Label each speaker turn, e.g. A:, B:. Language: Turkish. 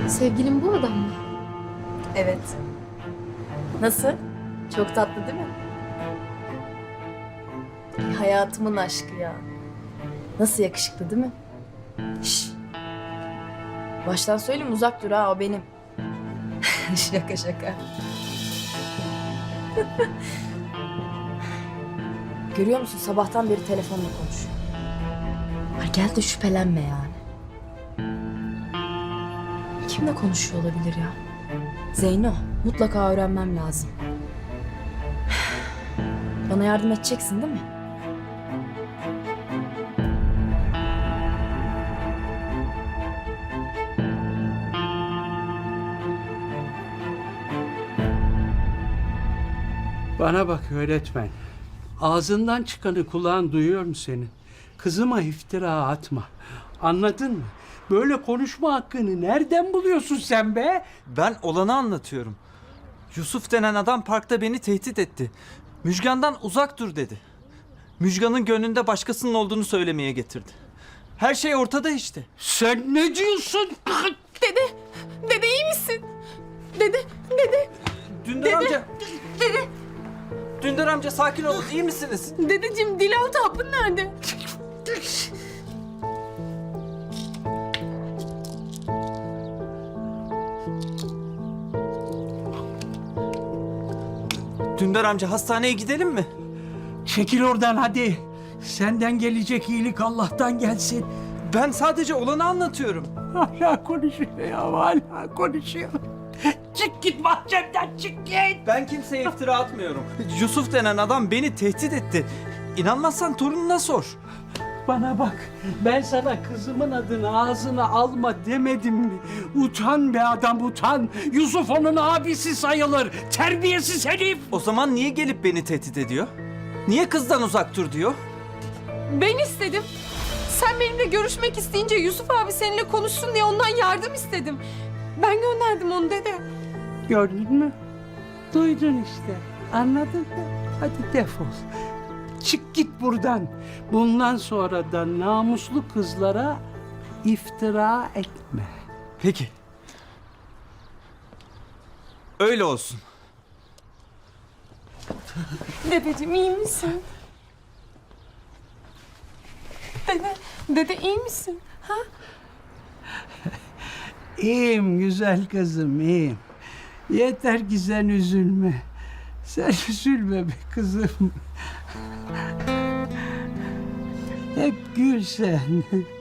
A: Sevgilim bu adam mı?
B: Evet. Nasıl? Çok tatlı değil mi? Hayatımın aşkı ya. Nasıl yakışıklı değil mi? Şş. Baştan söyleyeyim, uzak dur ha, o benim. Şaka şaka. Görüyor musun, sabahtan beri telefonla konuşuyor. Ay gel de şüphelenme yani. Kimle konuşuyor olabilir ya? Zeyno, mutlaka öğrenmem lazım. Bana yardım edeceksin değil mi?
C: Bana bak öğretmen. Ağzından çıkanı kulağın duyuyor mu senin? Kızıma iftira atma. Anladın mı? Böyle konuşma hakkını nereden buluyorsun sen be?
D: Ben olanı anlatıyorum. Yusuf denen adam parkta beni tehdit etti. Müjgan'dan uzak dur dedi. Müjgan'ın gönlünde başkasının olduğunu söylemeye getirdi. Her şey ortada işte.
C: Sen ne diyorsun?
B: Dede iyi misin? Dede.
D: Dündar amca. Dündar amca sakin olun, iyi misiniz?
B: Dedeciğim, Dilaltı hapın nerede?
D: Dündar amca, hastaneye gidelim mi?
C: Çekil oradan hadi. Senden gelecek iyilik Allah'tan gelsin.
D: Ben sadece olanı anlatıyorum.
C: Hala konuşuyor ya, hala konuşuyor. Çık git bahçemden, çık git.
D: Ben kimseye iftira atmıyorum. Yusuf denen adam beni tehdit etti. İnanmazsan torununa sor.
C: Bana bak, ben sana kızımın adını ağzına alma demedim mi? Utan be adam, utan. Yusuf onun abisi sayılır. Terbiyesiz herif.
D: O zaman niye gelip beni tehdit ediyor? Niye kızdan uzak dur diyor?
E: Ben istedim. Sen benimle görüşmek isteyince Yusuf abi seninle konuşsun diye ondan yardım istedim. Ben gönderdim onu dede.
C: Gördün mü? Duydun işte. Anladın mı? Hadi defol. Çık git buradan. Bundan sonra da namuslu kızlara iftira etme.
D: Peki. Öyle olsun.
E: Dedeciğim iyi misin? Dede iyi misin? Ha?
C: İyiyim güzel kızım, iyiyim. Yeter ki sen üzülme. Sen üzülme be kızım. Hep gül sen.